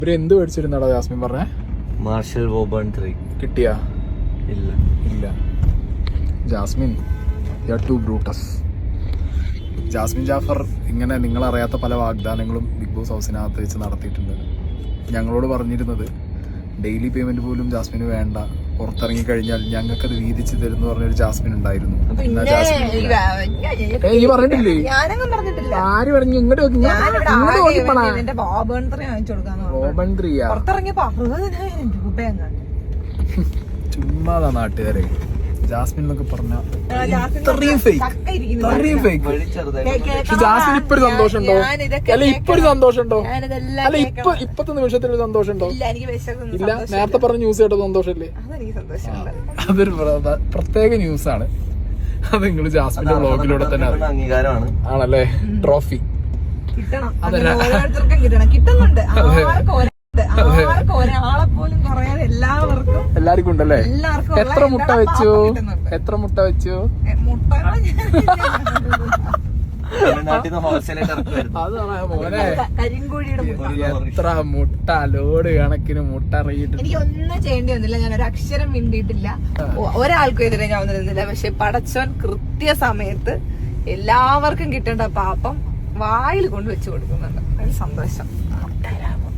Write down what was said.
ഇവര് എന്ത് മേടിച്ചിരുന്നാടാ ജാസ്മിൻ പറഞ്ഞേ? മാർഷൽ വോബേൺ 3 കിട്ടിയാ? ഇല്ല. Jasmine you are too Brutus. Jasmine Jaffar ഇങ്ങനെ നിങ്ങളറിയാത്ത പല വാഗ്ദാനങ്ങളും ബിഗ് ബോസ് ഹൗസിനകത്ത് വെച്ച് നടത്തിയിട്ടുണ്ട്. ഞങ്ങളോട് പറഞ്ഞിരുന്നത് ഡെയിലി പേയ്മെന്റ് പോലും ജാസ്മിന് വേണ്ട, പുറത്തിറങ്ങി കഴിഞ്ഞാൽ ഞങ്ങൾക്കത് വീതിച്ച് തരുന്ന പറഞ്ഞൊരു ജാസ്മിൻ ഉണ്ടായിരുന്നു. ഈ പറഞ്ഞിട്ടില്ലേ? ആര് പറഞ്ഞു? ഇങ്ങോട്ട് ചുമ്മാതാ നാട്ടുകാരെ. ജാസ്മിൻ എന്നൊക്കെ പറഞ്ഞ ജാസ്മിൻ ഇപ്പൊ ഒരു സന്തോഷമുണ്ടോ? അല്ല ഇപ്പൊ ഒരു സന്തോഷമുണ്ടോ? അല്ല ഇപ്പത്തെ നിമിഷത്തിൽ ഒരു സന്തോഷമുണ്ടോ? ഇല്ല. നേരത്തെ പറഞ്ഞ ന്യൂസ് കേട്ടോ സന്തോഷല്ലേ? അതൊരു പ്രത്യേക ന്യൂസാണ്. അത് നിങ്ങൾ ജാസ്മിന്റെ വ്ളോഗിലൂടെ തന്നെ അംഗീകാരമാണ്. ആണല്ലേ? ട്രോഫി എല്ലാവർക്കും ഉണ്ടല്ലേ? എത്ര മുട്ട വെച്ചു? അതാണ് മോനെ, എത്ര മുട്ട, ലോഡ് കണക്കിന് മുട്ട ഇറങ്ങിയിട്ട്. എനിക്ക് ഒന്നും ചെയ്യേണ്ടി വന്നില്ല, ഞാൻ ഒരു അക്ഷരം മിണ്ടിയിട്ടില്ല, ഒരാൾക്കും എതിരെ ഞാൻ ഒന്നും നിന്നില്ല. പക്ഷെ പടച്ചോൻ കൃത്യസമയത്ത് എല്ലാവർക്കും കിട്ടേണ്ട പാപ്പം വായിൽ കൊണ്ട് വെച്ച് കൊടുക്കുന്നുണ്ട്. ഒരു സന്തോഷം.